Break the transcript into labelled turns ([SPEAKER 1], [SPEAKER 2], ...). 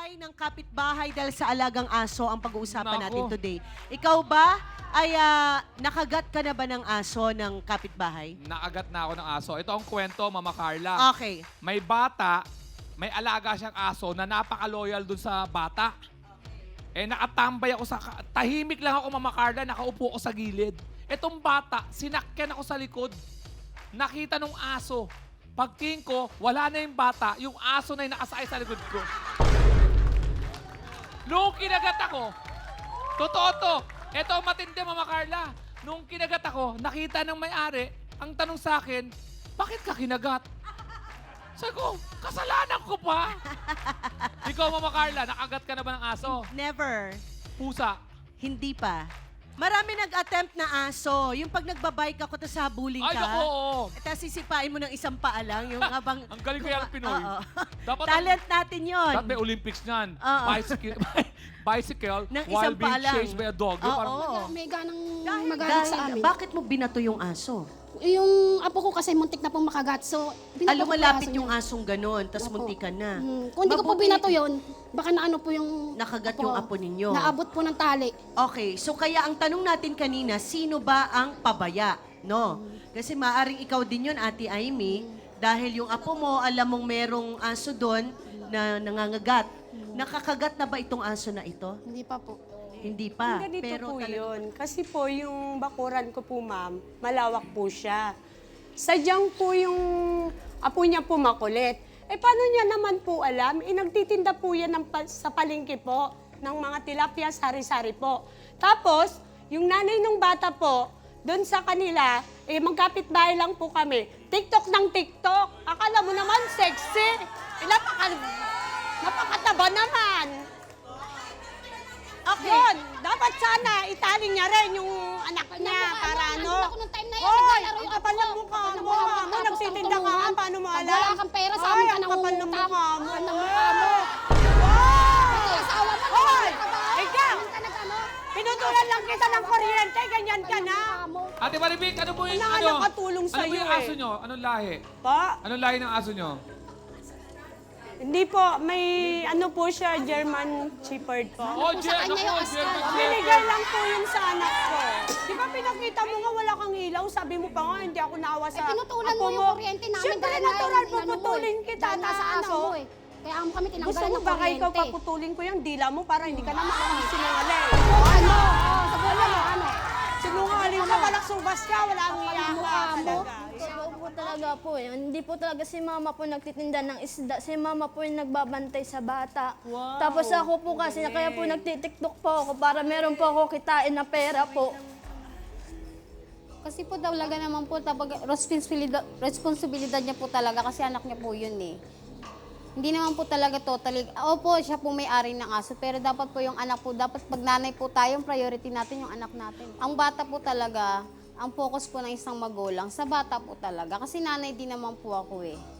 [SPEAKER 1] away ng kapitbahay dahil sa alagang aso ang pag-uusapan
[SPEAKER 2] Naku.
[SPEAKER 1] natin today. Ikaw ba ay nakagat ka na ba ng aso ng kapitbahay?
[SPEAKER 2] Naagat na ako ng aso. Ito ang kwento, Mama Carla.
[SPEAKER 1] Okay.
[SPEAKER 2] May bata, may alaga siyang aso na napaka-loyal dun sa bata. Eh, nakatambay ako tahimik lang ako, Mama Carla, nakaupo ako sa gilid. Etong bata, sinakyan ako sa likod. Nakita nung aso. Pagtingin ko, wala na yung bata, yung aso na yung nakasakay sa likod ko. Nung kinagat ako, totoo to, eto ang matindi, Mama Carla. Nung kinagat ako, nakita ng may-ari, ang tanong sa akin, bakit ka kinagat? Sabi ko, kasalanan ko pa. Ikaw, Mama Carla, nakagat ka na ba ng aso?
[SPEAKER 1] Never.
[SPEAKER 2] Pusa.
[SPEAKER 1] Hindi pa. Marami nag-attempt na aso. Yung pag nagbabike ako, tapos habulin ka.
[SPEAKER 2] Ay, naku, oo.
[SPEAKER 1] Tapos sisipain mo ng isang paa lang. Yung habang...
[SPEAKER 2] Ang galing ko yan, Pinoy.
[SPEAKER 1] Oo.
[SPEAKER 2] Dapat
[SPEAKER 1] Talent natin yun.
[SPEAKER 2] Dapat may Olympics niyan.
[SPEAKER 1] Oo.
[SPEAKER 2] Bicycle
[SPEAKER 1] Ng
[SPEAKER 2] while
[SPEAKER 1] isang
[SPEAKER 2] being
[SPEAKER 1] paa lang.
[SPEAKER 2] chased by a dog. Yung
[SPEAKER 1] Oo.
[SPEAKER 2] parang,
[SPEAKER 3] May ganang
[SPEAKER 1] Dahil,
[SPEAKER 3] magalit sa amin.
[SPEAKER 1] bakit mo binato yung aso?
[SPEAKER 3] Yung apo ko kasi muntik na pong makagat. So, binato ko po
[SPEAKER 1] Lumalapit
[SPEAKER 3] aso
[SPEAKER 1] yung
[SPEAKER 3] niya.
[SPEAKER 1] asong ganun, tapos
[SPEAKER 3] Opo.
[SPEAKER 1] muntikan na.
[SPEAKER 3] Kung hindi ko po
[SPEAKER 1] Mabuti-
[SPEAKER 3] binato yun, baka naano po yung...
[SPEAKER 1] Nakagat yung apo ninyo.
[SPEAKER 3] Naabot po ng tali.
[SPEAKER 1] Okay, so kaya ang tanong natin kanina, sino ba ang pabaya? No? Kasi maaring ikaw din yun, Ate Amy, dahil yung apo mo, alam mong merong aso doon na nangangagat. Nakakagat na ba itong aso na ito?
[SPEAKER 3] Hindi pa po.
[SPEAKER 1] Hindi pa.
[SPEAKER 4] Ganito
[SPEAKER 1] pero
[SPEAKER 4] po
[SPEAKER 1] talaga-
[SPEAKER 4] yun. Kasi po yung bakuran ko po, ma'am, malawak po siya. Sadyang po yung apo niya po makulit. Eh, paano niya naman po alam? Eh, nagtitinda po yan sa palengke po ng mga tilapia, sari-sari po. Tapos, yung nanay ng bata po, doon sa kanila, eh, magkapit-bahay lang po kami. TikTok ng TikTok. Akala mo naman sexy. Eh, napakataba naman.
[SPEAKER 1] Okay.
[SPEAKER 4] Yun, dapat sana itali niya rin yung anak niya para ano.
[SPEAKER 3] Ako nung time na yun,
[SPEAKER 4] Hoy,
[SPEAKER 3] naglalaro
[SPEAKER 4] ang
[SPEAKER 3] yung
[SPEAKER 4] kapal
[SPEAKER 3] apo
[SPEAKER 4] ng
[SPEAKER 3] ko.
[SPEAKER 4] mukha
[SPEAKER 3] Kapal ng
[SPEAKER 4] mo.
[SPEAKER 3] mukha mo,
[SPEAKER 4] Mo,
[SPEAKER 3] tapos
[SPEAKER 4] nagtitinda
[SPEAKER 3] ang
[SPEAKER 4] ka,
[SPEAKER 3] tumuhan.
[SPEAKER 4] paano mo
[SPEAKER 3] Pag
[SPEAKER 4] alam?
[SPEAKER 3] wala kang pera, sa amin ka
[SPEAKER 4] Ay, ang kapal ng
[SPEAKER 3] nangungutang.
[SPEAKER 4] mukha mo.
[SPEAKER 3] Kapal ng mukha mo.
[SPEAKER 4] Hoy!
[SPEAKER 3] Ito, asawa mo.
[SPEAKER 4] Hoy!
[SPEAKER 3] Ikaw!
[SPEAKER 4] Ikaw!
[SPEAKER 3] Ka nag-ano?
[SPEAKER 4] Pinutulan lang kita ng kuryente, ganyan ka na.
[SPEAKER 3] Mukha mo.
[SPEAKER 2] Ate Maribik, ano po yung
[SPEAKER 4] Wala ka nakatulong
[SPEAKER 2] Ano po
[SPEAKER 4] sa'yo
[SPEAKER 2] yung
[SPEAKER 4] eh.
[SPEAKER 2] aso nyo? Anong lahi?
[SPEAKER 4] Pa,
[SPEAKER 2] Anong lahi ng aso nyo?
[SPEAKER 4] hindi po, may ano po siya, German Shepherd po.
[SPEAKER 2] Oh,
[SPEAKER 3] sa kanya yung
[SPEAKER 2] German
[SPEAKER 3] aso.
[SPEAKER 4] Binigay lang po yun sa anak ko. Di ba pinakita mo nga wala kang ilaw? Sabi mo pa nga, hindi ako naawa sa
[SPEAKER 3] Pinutulan
[SPEAKER 4] apo
[SPEAKER 3] mo yung kuryente namin.
[SPEAKER 4] Siyempre,
[SPEAKER 3] dahil
[SPEAKER 4] natural,
[SPEAKER 3] inano mo eh.
[SPEAKER 4] puputulin kita
[SPEAKER 3] Dahil
[SPEAKER 4] na
[SPEAKER 3] nasa anak
[SPEAKER 4] aso.
[SPEAKER 3] mo eh. Kaya kami
[SPEAKER 4] Gusto
[SPEAKER 3] tinanggalan
[SPEAKER 4] mo
[SPEAKER 3] ng
[SPEAKER 4] baka ikaw
[SPEAKER 3] kuryente.
[SPEAKER 4] paputulin ko yung dila mo para hindi ka na makakasinungaling.
[SPEAKER 3] Ano? Sa bola mo, ano?
[SPEAKER 4] Sinungaling ka, walang subas ka, walang iya ka
[SPEAKER 3] mukha mo.
[SPEAKER 4] talaga.
[SPEAKER 5] Totoo po talaga po eh. Hindi po talaga si mama po nagtitinda ng isda. Si mama po yung nagbabantay sa bata.
[SPEAKER 4] Wow,
[SPEAKER 5] Tapos ako po kasi, kaya po nagtitiktok po ako para meron po ako kitain na pera po.
[SPEAKER 6] Kasi po talaga naman po, responsibilidad niya po talaga kasi anak niya po yun eh. Hindi naman po talaga totally, opo, siya po may-ari ng aso, pero dapat po yung anak po, dapat pag nanay po tayo, ang priority natin yung anak natin. Ang bata po talaga, ang focus po ng isang magulang, sa bata po talaga, kasi nanay din naman po ako eh.